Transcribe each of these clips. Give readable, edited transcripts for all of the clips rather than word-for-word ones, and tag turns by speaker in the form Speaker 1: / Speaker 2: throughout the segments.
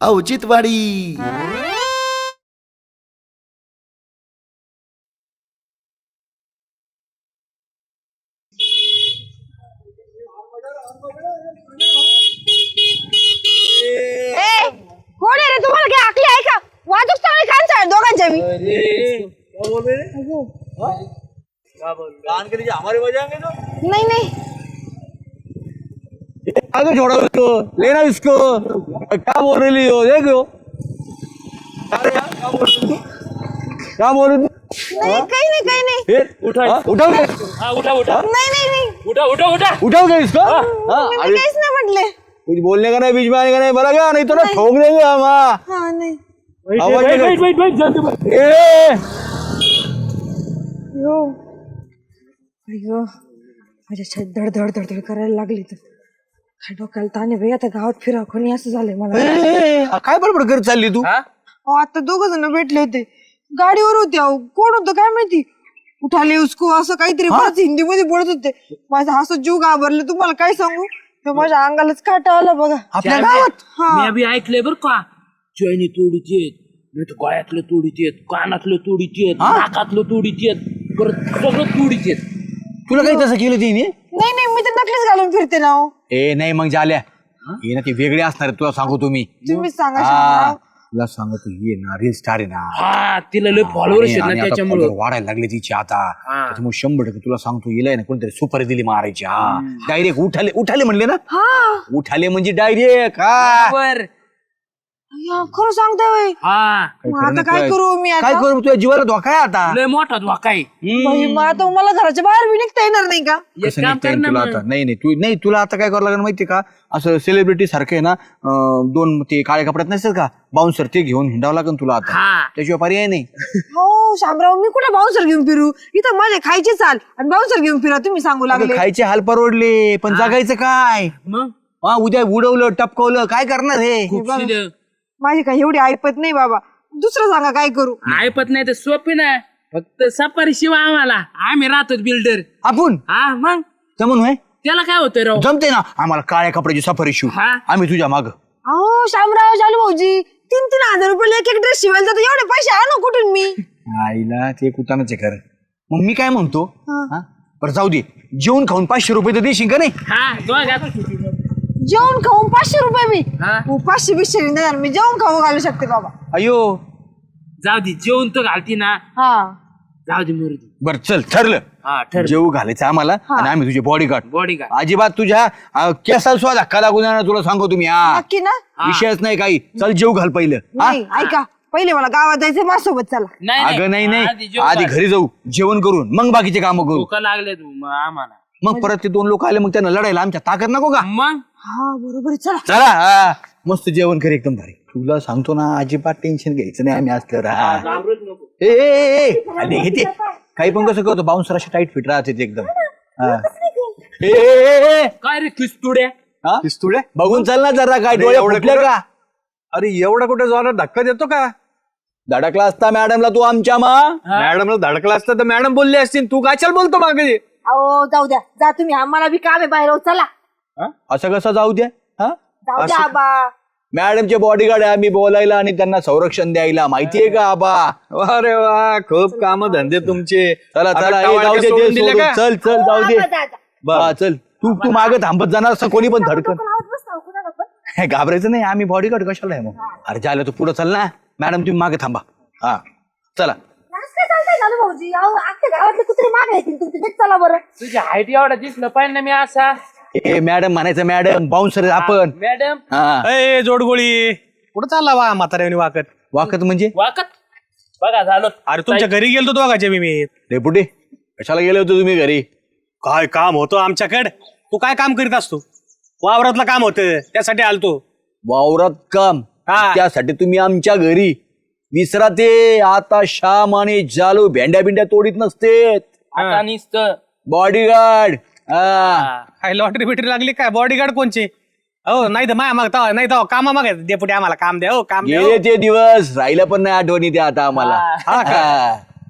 Speaker 1: औचित्यवाडी.
Speaker 2: कोण आहे रे? तुम्हाला काय आकली आहे का? वाजूक चांगली कान चाळ दोघांच्या मी.
Speaker 3: हमारे बजाएंगे तो
Speaker 2: नाही नहीं
Speaker 3: आगे छोड़ो इसको, लेना इसको. क्या बोल रही हो? देखो क्या बोल रही
Speaker 2: नहीं काही नाही
Speaker 3: फिर उठाओ
Speaker 2: नाही नाही नाही
Speaker 3: उठाओगे इसको. हाँ,
Speaker 2: मी
Speaker 3: अरे
Speaker 2: काहीच नाही म्हटले.
Speaker 3: कुछ बोलने का नहीं, बीच में आने का नहीं, बोला क्या? नहीं तो ना ठोक देंगे हम.
Speaker 2: हा नाही
Speaker 3: आवाज नहीं.
Speaker 2: अयो अयो माझ्या छातीत धड धड धड धड करायला लागली तर काय डोक्याला ताणे बाई. आता गावात फिरा कोणी असं झालंय मला.
Speaker 3: काय बडबड करत चालली तू?
Speaker 2: अहो, आता दोघ जण भेटले होते गाडीवर होते. अहो कोण होतं काय माहिती. उठाले उसको असं काहीतरी बरंच हिंदी मध्ये बोलत होते. माझा असं जीव घाबरले तुम्हाला काय सांगू. तर माझ्या अंगालाच काटा आला बघा.
Speaker 3: आपल्या गावात
Speaker 4: मी अभि ऐकलंय बर का. चैनी तोडीची आहेत, नाही तर गळ्यातलं तोडीची आहेत, कानातलं तोडीची आहेत, नाकातलं तोडीची आहेत, परत सगळं तोडीची आहेत.
Speaker 3: तुला काही तसं केलं तिने?
Speaker 2: नाही नाही मी तर नकलीच घालून फिरते ना हो.
Speaker 3: ए नाही मग झाल्या हे ना ती वेगळी असणार आहे, तुला सांगू तुम्ही.
Speaker 2: तुम्हीच सांगा शामराव.
Speaker 3: तुला सांगतो ये ना रील स्टार आहे ना.
Speaker 4: हा तिला लय फॉलोअर्स आहेत
Speaker 3: आणि
Speaker 4: ना
Speaker 3: आता
Speaker 4: त्याच्यामुळे.
Speaker 3: follower वाढायला लागले तिची आता. त्याच्यामुळे 100% तुला सांगतो येलाय ना कोणतरी सुपारी दिली मारायची. हा डायरेक्ट उठाले म्हणले ना. उठाले म्हणजे डायरेक्ट. हा
Speaker 2: या, खरं सांगताय बाई.
Speaker 4: हा
Speaker 2: मग आता काय करू मी आता?
Speaker 3: काय करू? तुझ्या जीवाला धोका आहे आता.
Speaker 4: लय मोठा धोका आहे.
Speaker 2: बाई, मग आता मला घराच्या बाहेर बी निघता येणार नाही का?
Speaker 4: एक
Speaker 3: कसं
Speaker 4: काम
Speaker 3: निघता
Speaker 4: कर
Speaker 3: येईल
Speaker 4: ना
Speaker 3: तुला
Speaker 4: मग.
Speaker 3: आता? नाही तुला आता काय करावं लागेल माहितीये का? असं सेलिब्रिटी सारखं आहे ना, दोन ते काळ्या कपड्यात नसतात का बाउन्सर, ते घेऊन हिंडावं लागेल तुला आता.
Speaker 4: हा
Speaker 3: त्याशिवाय पर्याय नाही.
Speaker 2: हो शामराव, मी कुठे बाउन्सर घेऊन फिरू? इथं माझे खायचे चाल आणि बाउन्सर घेऊन फिरा तुम्ही सांगू लागले.
Speaker 3: खायचे हाल परवडले पण जगायचं काय?
Speaker 4: मग
Speaker 3: हा उद्या उडवलं टपकवलं काय करणार हे?
Speaker 4: खूप शिल्लक.
Speaker 2: माझी काही एवढी ऐपत नाही बाबा. दुसरं सांगा काय करू.
Speaker 4: ऐपत नाही तर सोपी नाही. फक्त सफारी शिवाय आम्हाला, आम्ही राहतो बिल्डर.
Speaker 3: आपण
Speaker 4: हा मग
Speaker 3: जमून होय
Speaker 4: त्याला काय होतंय राव.
Speaker 3: जमते ना आम्हाला काळ्या कपड्याची सफारी शिव.
Speaker 4: हा.
Speaker 3: आम्ही तुझ्या माग.
Speaker 2: अहो शामराव, चालू भाऊजी 3,000 रुपये एक एक ड्रेस शिवायला जातो. एवढे पैसे आणू कुठून मी?
Speaker 3: आईला ते कुतानाचे कर. मग मी काय म्हणतो, हा बरं जाऊ दे, जेवण खाऊन 500 रुपये तर देशील का नाही?
Speaker 4: हा दोघात.
Speaker 2: जेवण खाऊन 500 रुपये मी?
Speaker 4: हा.
Speaker 2: 500 नाही देणार मी. जेवण खाऊ घालू शकते बाबा.
Speaker 3: अयो
Speaker 4: जाऊ दे, जेवण तर घालती ना.
Speaker 2: हा
Speaker 4: जाऊ दे मुरुदी.
Speaker 3: बर चल ठरलं.
Speaker 4: हा ठर.
Speaker 3: जेवू घालायचं आम्हाला आणि आम्ही तुझे बॉडीगार्ड.
Speaker 4: बॉडीगार्ड.
Speaker 3: अजिबात तुझ्या केसाला सुद्धा धक्का लागू देणार तुला सांगतो तुम्ही. हा
Speaker 2: नक्की ना?
Speaker 3: विषयच नाही काही. चल जेवू घाल पहिलं. हा?
Speaker 2: नाही ऐका, पहिले मला गावात जायचं माझ्यासोबत चला.
Speaker 3: अगं नाही
Speaker 4: जेवण
Speaker 3: आधी
Speaker 4: घाल.
Speaker 3: घरी जाऊ, जेवण करून मग बाकीचे कामं करू.
Speaker 4: भुका लागले आम्हाला.
Speaker 3: मग परत ते 2 लोक आले मग त्यांना लढायला आमच्या ताकद नको का?
Speaker 4: मग
Speaker 2: हा बरोबर आहे, चला.
Speaker 3: चला हा. मस्त जेवण कर एकदम भारी. तुला सांगतो ना अजिबात टेन्शन घ्यायचं नाही. आम्ही असल्यावर हा.
Speaker 4: घाबरूच नको.
Speaker 3: अरे घेते काही पण कसं करतो बाउन्सर असे टाईट फिट राहते ते एकदम. हा. ए
Speaker 4: काय रे किस्तुड्या.
Speaker 3: हा? पिस्तुल्या बघून चल ना जरा काय डोळे फुटले का?
Speaker 5: अरे एवढा कुठे जोरात धक्का देतो का?
Speaker 3: धडकला असता मॅडमला तू आमच्या
Speaker 5: मॅडमला धडकला असता तर मॅडम बोलली असतील, तू काय बोलतो मागे?
Speaker 2: अहो जाऊ द्या, जा तुम्ही. आम्हाला बी काम आहे बाहेर. हो, चला
Speaker 3: असं कसं जाऊ द्या? हा
Speaker 2: जाऊ द्या आबा.
Speaker 3: मॅडमचे बॉडीगार्ड आहे आम्ही बोलायला आणि त्यांना संरक्षण द्यायला. माहितीये का आबा?
Speaker 5: अरे वा, खूप काम धंदे तुमचे.
Speaker 3: चला
Speaker 5: आता
Speaker 3: चला हे
Speaker 5: टवाळक्या
Speaker 3: जाऊ दे
Speaker 5: सोडून
Speaker 3: ते
Speaker 5: दिले
Speaker 3: सोडून.
Speaker 5: का?
Speaker 3: चल चल जाऊ दे.
Speaker 2: जा, जा, जा.
Speaker 3: हा, चल तू मागे थांबत जाणार असं कोणी पण धडकन.
Speaker 2: लावत बसता, कुणाला पण.
Speaker 3: हे घाबरायचं नाही, आम्ही बॉडीगार्ड कशाला आहे मग? अरे झालं तू पुढे चल ना. मॅडम तुम्ही मागे थांबा. हा चला.
Speaker 2: असं काय चालतंय चालू भाऊजी? अहो अख्ख्या गावातले कुत्रे मागे येतील तुमचे. तेच चला बरं.
Speaker 4: तुझ्या हाईट एवढा दिसलं पाहिजे ना मी असा.
Speaker 3: ए मॅडम म्हणायचं मॅडम बाउन्सर आपण.
Speaker 4: मॅडम
Speaker 3: हा
Speaker 5: ए जोडगोळी कुठं चालला वा म्हाताऱ्याने वाकत?
Speaker 3: वाकत म्हणजे
Speaker 4: वाकत बघा झालं.
Speaker 5: अरे तुमच्या घरी गेलतो दोघाच्या मी.
Speaker 3: डेपुटी कशाला गेले होते तुम्ही घरी?
Speaker 5: काय काम होतं आमच्याकडे? तू काय काम करीत असतो? वावरातलं काम होतं त्यासाठी आलतो.
Speaker 3: वावरात काम?
Speaker 5: हा.
Speaker 3: त्यासाठी तुम्ही आमच्या घरी? विसरा ते. आता श्याम आणि जालू भेंड्या बिंड्या तोडीत नसते.
Speaker 4: आता नुसतं
Speaker 3: बॉडीगार्ड. हा
Speaker 5: काय लॉटरी बिटरी लागली काय? बॉडीगार्ड कोणचे? हो नाही तर माया मागता नाही तर कामा माग डेपुटी आम्हाला काम द्या. हो काम द्या.
Speaker 3: गेले ते दिवस राहिलं पण नाही आठवणी त्या आता आम्हाला.
Speaker 5: हा का?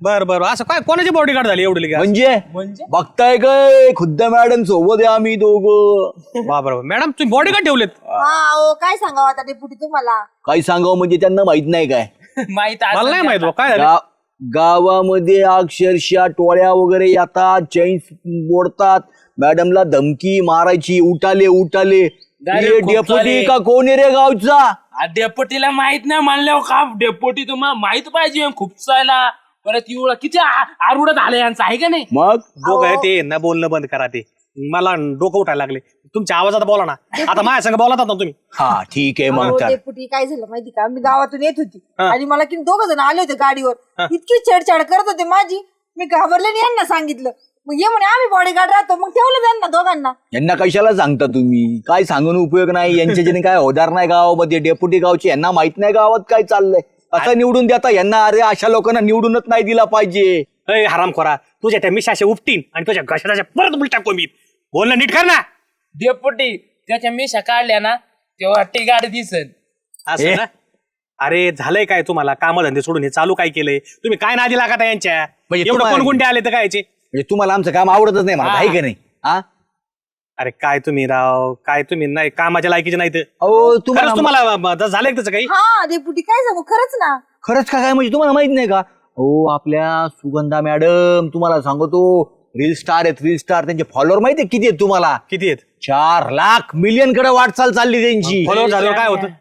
Speaker 5: बर बर असं काय कोणाची बॉडीगार्ड झाली एवढी लगेच?
Speaker 3: म्हणजे बघताय काय खुद्द मॅडम सोबत आहे आम्ही दोघं.
Speaker 5: बाबर मॅडम तुम्ही बॉडीगार्ड ठेवलेत?
Speaker 2: काय सांगावं आता डेपुटी तुम्हाला.
Speaker 3: काही सांगावं म्हणजे त्यांना माहित नाही काय
Speaker 4: माहित
Speaker 5: मला नाही माहित बुवा, काय झालं?
Speaker 3: गावामध्ये अक्षरशः टोळ्या वगैरे येतात, चैन्स मोडतात, मॅडमला धमकी मारायची, उठाले उठाले.
Speaker 4: Direct खूप
Speaker 3: डेपुटी
Speaker 4: झाले.
Speaker 3: का कोण आहे रे गावचा?
Speaker 4: डेपोटीला माहित नाही म्हणल्यावर का डेपोटी तुम्हाला माहित पाहिजे खूप चायला परत एवढं किती आरुड झालं यांचं आहे का नाही?
Speaker 3: मग
Speaker 5: दोघं आहे ते ना बोलणं बंद करा ते. मला डोकं उठायला लागले तुमच्या आवाजात बोला ना. आता माझ्या संग बोलतात ना तुम्ही.
Speaker 3: हा ठीक आहे मग तर.
Speaker 2: डेपुटी काय झालं माहिती का, मी गावातून येत होती आणि मला की 2 जण आले होते गाडीवर, इतकी छेडछाड करत होते माझी. मी घाबरले आणि यांना सांगितलं, मग ये म्हणे आम्ही बॉडीगार्ड राहतो. मग ठेवलं त्यांना दोघांना.
Speaker 3: यांना कशाला सांगता तुम्ही? काय सांगून उपयोग नाही, यांच्याच्याने काय होणार नाही गावामध्ये. डेप्युटी गावचे यांना माहित नाही गावात काय चाललंय. असं निवडून देता यांना? अरे अशा लोकांना निवडूनच नाही दिला पाहिजे.
Speaker 5: अय हरामखोरा तुझ्या त्या मिशाशे उपटीन आणि तुझ्या घशाच्या परत उलटा कोमीत. बोलणं नीट कर ना.
Speaker 4: डेपोटी त्याच्या मिशा काढल्या ना तेव्हा टिगाड दिसन.
Speaker 5: असं ना? अरे झालंय काय तुम्हाला? कामधंदे सोडून हे चालू काय केलंय तुम्ही? काय नादी लागत आहे यांच्या?
Speaker 3: म्हणजे
Speaker 5: एवढं
Speaker 3: तुम्हाला-
Speaker 5: कोण गुंडे आले तर कायचे?
Speaker 3: म्हणजे तुम्हाला आमचं काम आवडतच नाही मला, आहे का नाही? हा
Speaker 5: अरे काय तुम्ही राव, काय तुम्ही नाही कामाच्या लायकीचे नाही तर.
Speaker 3: अहो
Speaker 5: खरंच
Speaker 3: तुम्हाला
Speaker 5: तुम्हाला झालंय त्याचं काही?
Speaker 2: हा डेपुटी काय सांगू, खरंच ना.
Speaker 3: खरंच का काय म्हणजे तुम्हाला माहित नाही का? हो आपल्या सुगंधा मॅडम तुम्हाला सांगतो रील स्टार आहेत, रील स्टार. त्यांचे फॉलोअर माहिती आहे किती आहेत तुम्हाला?
Speaker 5: किती आहेत?
Speaker 3: 4 लाख मिलियन कडे वाटचाल चालली त्यांची.
Speaker 5: फॉलोअर झाल्यावर काय होतं?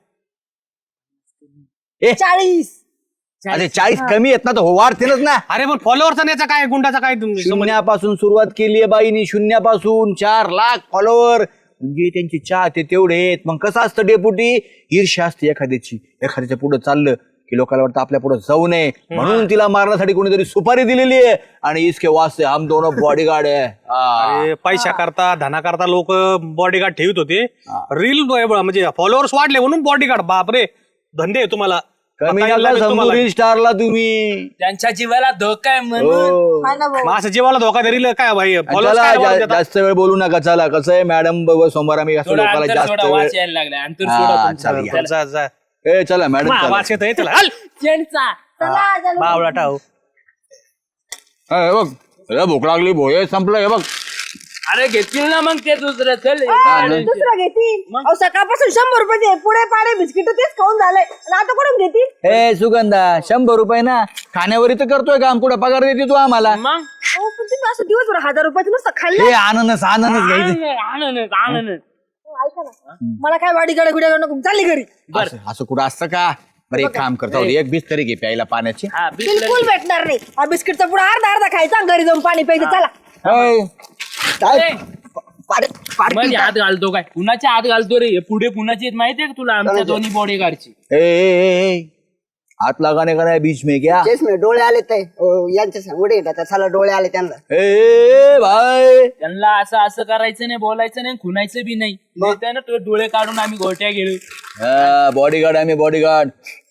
Speaker 2: 40.
Speaker 3: अरे 40 कमी आहेत ना, तर हो वाढतीलच ना.
Speaker 5: अरे पण फॉलोअरचा याचा काय गुंडाचा काय संबंध?
Speaker 3: शून्यापासून सुरुवात केली आहे बाईनी, शून्यापासून 4 लाख फॉलोअर. म्हणजे त्यांची चाहते तेवढे आहेत. मग कसं असतं डेपुटी, ईर्ष्या असते एखाद्याची. एखाद्याच्या पुढे चाललं की लोकांना वाटतं आपल्या पुढे जाऊ नये, म्हणून तिला मारण्यासाठी कोणीतरी सुपारी दिलेली आहे. आणि इसके वास्ते हम दोनों बॉडीगार्ड आहे.
Speaker 5: अरे पैसा करता धना करता लोक बॉडीगार्ड ठेवत होते. रील म्हणजे फॉलोअर्स वाढले म्हणून बॉडीगार्ड. बापरे धंदे आहे तुम्हाला.
Speaker 3: कमी
Speaker 5: आता
Speaker 3: नका
Speaker 5: याला
Speaker 3: समजू
Speaker 5: तुम्हाला-
Speaker 3: रील स्टारला तुम्ही.
Speaker 4: त्यांच्या जीवाला धोका आहे म्हणून.
Speaker 3: हो.
Speaker 2: हा ना भाऊ.
Speaker 5: मग असं जीवाला धोका धरील काय भाई? followers
Speaker 3: चला
Speaker 5: काय वाढवून देतात?
Speaker 3: जास्त वेळ बोलू नका. चला कसं आहे मॅडम सोमवार आम्ही असं
Speaker 4: थोडा
Speaker 3: लोकांना
Speaker 4: अंतर
Speaker 3: जास्त
Speaker 4: सोडा,
Speaker 3: वेळ.
Speaker 4: वाच यायला लागला अंतर
Speaker 3: हा,
Speaker 4: सोडा तुमचं.
Speaker 3: चालेल.
Speaker 4: चला.
Speaker 5: जा, जा.
Speaker 3: ए चला मॅडम
Speaker 5: मा,
Speaker 3: चला.
Speaker 5: वास येतोय चला. हल.
Speaker 4: त्यांचा.
Speaker 2: चला चला.
Speaker 5: बावळा टाव.
Speaker 3: हे बघ अरे भूक लागली भोय संपलं. हे बघ
Speaker 4: अरे घेतील ना मग ते दुसरं चल.
Speaker 2: दुसरं घेतील. अहो सकाळपासून 100 रुपये पुढे पाडे बिस्किट तेच खाऊन झालंय आणि आता कोण घेतील?
Speaker 3: ए सुगंधा 100 रुपये ना खाण्यावरी तर करतोय काम, कुठं पगार देते तू आम्हाला?
Speaker 4: मग
Speaker 2: अहो, पण तुम्ही असं दिवसभर 1000 रुपयाचं नुसतं खाल्लं.
Speaker 3: हे आनंदच आनंदच घ्यायचं.
Speaker 4: आनंद
Speaker 2: ऐका ना, मला काय वाडी गाडी गुड्या नको, चालली घरी.
Speaker 3: असं कुठं असतं का? बरं एक काम करतो, एक बिस्तरी घे प्यायला पाण्याची.
Speaker 4: हा
Speaker 2: बिलकुल भेटणार नाही. हा बिस्किटचा पुढे अर्धा खायचा आणि घरी जाऊन पाणी प्यायचं. चला.
Speaker 3: ए, काय?
Speaker 4: ए. मध्ये हात घालतो काय? कुणाच्या हात घालतो रे? हे पुढे कुणाची आहेत माहितीये का तुला? आमच्या दोन्ही बॉडीगार्डची.
Speaker 3: ए, ए, ए, हात लगाने का नाही बीच में क्या?
Speaker 1: चष्मे डोळे आले ते यांच्या सांगडे येतात चला डोळे आले त्यांना.
Speaker 3: ए भाई
Speaker 4: त्यांना असं असं करायचं नाही, बोलायचं नाही, खुनायचं बी नाही. ना तो डोळे काढून आम्ही गोट्या गेलो.
Speaker 3: बॉडीगार्ड आम्ही बॉडीगार्ड.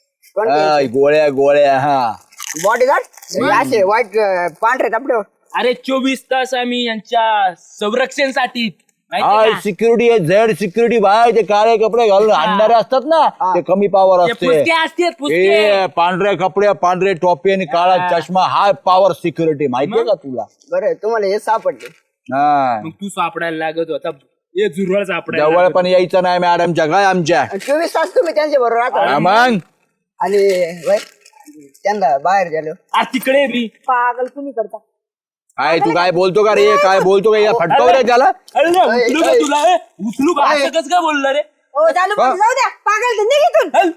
Speaker 3: गोळ्या गोळ्या. हा
Speaker 1: बॉडीगार्ड असे वाईट पांढरे कपडे.
Speaker 4: अरे 24 तास आम्ही यांच्या संरक्षणासाठी
Speaker 3: हाय
Speaker 4: माहिती का?
Speaker 3: सिक्युरिटी आहे, झेड सिक्युरिटी. भाई ते काळे कपडे घालून आणणारे असतात ना, ते कमी पावर
Speaker 4: ते
Speaker 3: असते.
Speaker 4: पुसके असतात पुसके.
Speaker 3: ए पांढऱ्या कपड्या, पांढरे टोपी आणि काळा चष्मा, हाय पॉवर सिक्युरिटी. माहितीये का तुला?
Speaker 1: बरं तुम्हाला हे सापडले.
Speaker 3: हा
Speaker 4: मग तू सापडायला लागत होता. हे जुरवळ सापडायला
Speaker 3: जवळ
Speaker 4: लागत
Speaker 3: पण यायचं नाही मॅडमच्या काय आमच्या.
Speaker 1: 24 तास तुम्ही त्यांच्या बरोबर राहता
Speaker 3: हा, मग
Speaker 1: आणि वय, त्यांना बाहेर गेलो.
Speaker 4: होता. अरे तिकडे बी
Speaker 2: पागल तुम्ही करता.
Speaker 3: काय तू काय बोलतो का रे? काय बोलतो का? या फटकाव रे त्याला.
Speaker 4: अरे नाही, उचलू का तुला? ए, उचलू का? असं कसं काय बोललं रे?
Speaker 2: हो चालू पण जाऊ द्या. पागल ते निघ इथून.
Speaker 4: हल.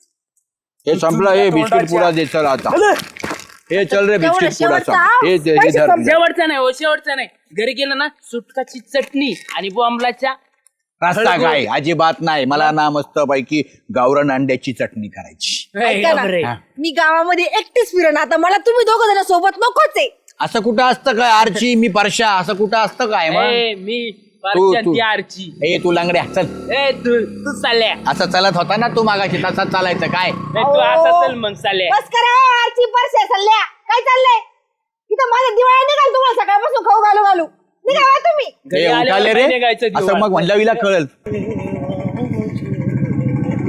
Speaker 3: हे संपलं. हे बिस्किट पुडा दे चल आता. हे चल रे बिस्किट पुडा
Speaker 2: शेवटचा,
Speaker 3: संप. हे दे, हे धर.
Speaker 4: शेवटचा नाही हो, शेवटचा नाही. घरी गेलं ना सुटकाची चटणी आणि बॉम्बलाच्या
Speaker 3: रस्ता काय अजिबात नाही. मला ना मस्त पैकी गावरान अंड्याची चटणी करायची.
Speaker 2: ऐका ना, मी गावामध्ये एकटीच फिरण. आता मला तुम्ही 2 जण सोबत नकोच आहे.
Speaker 3: असं कुठं असतं काय? आरची मी परशा, असं कुठं असतं काय? मग
Speaker 4: ए, मी
Speaker 3: तू-
Speaker 4: परशांती आरची.
Speaker 3: ए तू लांगड्या चल.
Speaker 4: ए तू चालल्या.
Speaker 3: असं चालत होता ना तू मागाशी, तसा चालायचं काय?
Speaker 4: ए, तू असं चल मग चालल्या.
Speaker 2: बस करा आरची परश्या सल्ल्या. काय चाललंय इथं? माझ्या दिवाळी निघाल तुम्हाला सकाळपासून खाऊ घालू घालू. निघा तुम्ही.
Speaker 4: घरी
Speaker 3: ए,
Speaker 4: आल्यावर
Speaker 3: उठाले रे
Speaker 4: नाही निघायचं
Speaker 3: असं
Speaker 4: दिवाळी.
Speaker 3: मग म्हणलं विला कळल.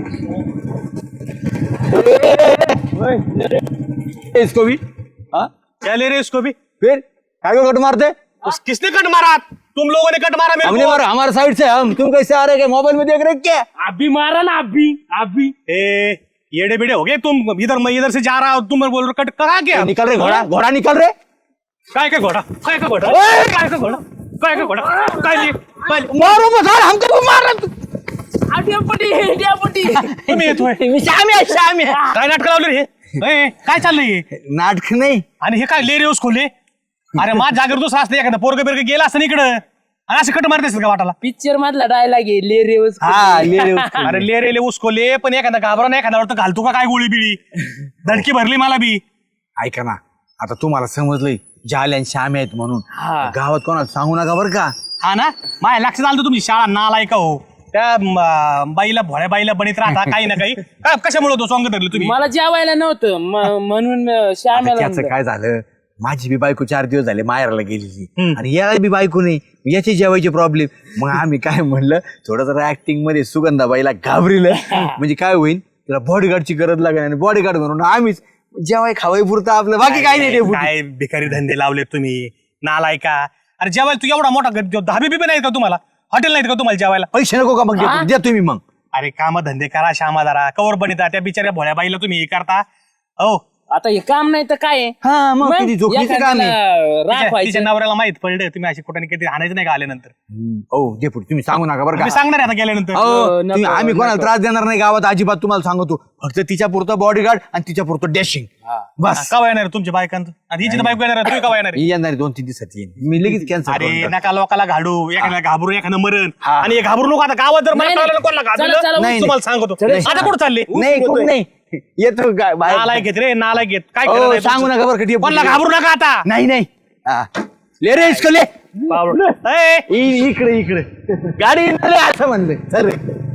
Speaker 3: इसको भी हाँ
Speaker 5: क्या ले रहे इसको भी?
Speaker 3: फिर काय को कट मारते
Speaker 5: किसने कट मारा? तुम लोगों ने कट मारा मेरे
Speaker 3: हमने
Speaker 5: को।
Speaker 3: मारा हमारे साइड से, हम तुम कैसे आ रहे? मोबाइल में देख रहे क्या?
Speaker 4: अभी मारा ना, अभी
Speaker 5: ए येड़े बेड़े हो गए तुम। इधर मैं इधर से जा रहा हूँ, तुम बोल रहे कट करा क्या?
Speaker 3: निकल रहे घोड़ा, घोड़ा निकल रहे।
Speaker 5: काय का घोड़ा? काय का घोड़ा? काय का घोड़ा? काय का घोड़ा? काय लिए?
Speaker 3: मारो मत, हमको मार रहे।
Speaker 4: डेपुटी
Speaker 5: तुम्ही येतोय
Speaker 3: श्याम आहे.
Speaker 5: काय नाटक लावले रे? ए, काय चाललंय हे?
Speaker 3: नाटक नाही.
Speaker 5: आणि हे काय ले रे उसकोले? अरे माझ जागर दुसरा असतं एखादा पोरग बिरग गेला असतं इकडं आणि असं कट मारतेस का वाटाला?
Speaker 4: पिक्चर मधला डायलॉग आहे ले रे उसको.
Speaker 3: हा ले रे.
Speaker 5: अरे ले रे ले उसकोले, पण एखादा घाबरा नाही, एखादा घालतो का काय गोळी बिळी? धडकी भरली मला बी.
Speaker 3: ऐका ना, आता तुम्हाला समजलंय जाले आणि श्याम आहेत म्हणून.
Speaker 4: हा.
Speaker 3: गावात कोणाला सांगू नका बरं का.
Speaker 5: हा ना, माझ्या लक्षात आलं तुमची शाळा नालाय का हो. त्या बाईला भोळ्या बाईला बनित राहता काही ना काही. काय कशामुळे तो सॉंग धरले तुम्ही?
Speaker 4: मला जेवायला नव्हतं म्हणून श्यामेला
Speaker 3: त्याचं
Speaker 4: म्हणलं.
Speaker 3: काय झालं, माझी बी बायको 4 दिवस झाले माहेरला गेलेली आणि याला बी बायको नाही, याची जेवायची प्रॉब्लेम. मग आम्ही काय म्हणलं, थोडं ऍक्टिंग मध्ये सुगंधाबाईला घाबरिलं म्हणजे काय होईल, तिला बॉडीगार्डची गरज लागेल आणि बॉडीगार्ड म्हणून आम्हीच जेवाय खावाय पुरतं आपलं, बाकी काही नाही.
Speaker 5: काय भिकारी धंदे लावले तुम्ही, नालाय का? अरे जेवायला तू एवढा मोठा धाबी बिबी नाहीत का तुम्हाला? हॉटेल नाहीत का तुम्हाला जेवायला?
Speaker 3: पैसे नको का मग द्या तुम्ही मग.
Speaker 5: अरे काम धंदे करा श्यामा जरा, कवर बनिता त्या बिचाऱ्या भोळ्या बाईला तुम्ही हे करता. हो
Speaker 4: आता हे काम नाही तर काय आहे?
Speaker 3: हा मग किती जोखमीचं काम आहे.
Speaker 4: एखाद्याला राख
Speaker 5: तिच्या
Speaker 4: व्हायचं.
Speaker 5: नवऱ्याला माहित पडलं तुम्ही अशी कुठे कधी आणायचं नाही का आल्यानंतर?
Speaker 3: हो डेपुटी तुम्ही सांगू नका बरं
Speaker 5: मी
Speaker 3: का.
Speaker 5: सांगणार आहे आता गेल्यानंतर.
Speaker 3: हो,
Speaker 4: नको,
Speaker 3: तुम्ही- आम्ही कोणाला
Speaker 4: नको.
Speaker 3: त्रास देणार नाही गावात अजिबात, तुम्हाला सांगतो. फक्त तिच्या पुरतं बॉडीगार्ड आणि तिच्या पुरतं डॅशिंग बस.
Speaker 5: कवा येणार तुमच्या बायकांत? आणि हिची तर बायको येणार आहे, तुम्ही कवा येणार आहे?
Speaker 3: ही येणार 2-3 दिवसात येईन मी, लगेच कॅन्सर.
Speaker 5: अरे नका लोकाला घालू, एखाद्याला घाबरू, एखादं मरण.
Speaker 3: हा.
Speaker 5: आणि हे घाबरू नको आता गावात जर मला
Speaker 4: नाही,
Speaker 5: कळलं
Speaker 4: नाही.
Speaker 5: कोणाला
Speaker 4: चला,
Speaker 5: घाबरलं,
Speaker 4: चला,
Speaker 3: नाही,
Speaker 5: तुम्हाला सांगतो. आता कुठं चालले?
Speaker 3: नाही कुठं नाही येतो
Speaker 5: नालायक घेत रे, नालायक घेत. काय
Speaker 3: हो,
Speaker 5: करणार आहे
Speaker 3: सांगू
Speaker 5: तुमचं?
Speaker 3: नका बरं का डेपुटी.
Speaker 5: कोणाला घाबरू नका आता.
Speaker 3: नाही नाही हा. ले रे इसको ले.
Speaker 5: बावळट. ए,
Speaker 3: इकडे इकडे गाडी इकडे असं म्हणलं. चल रे.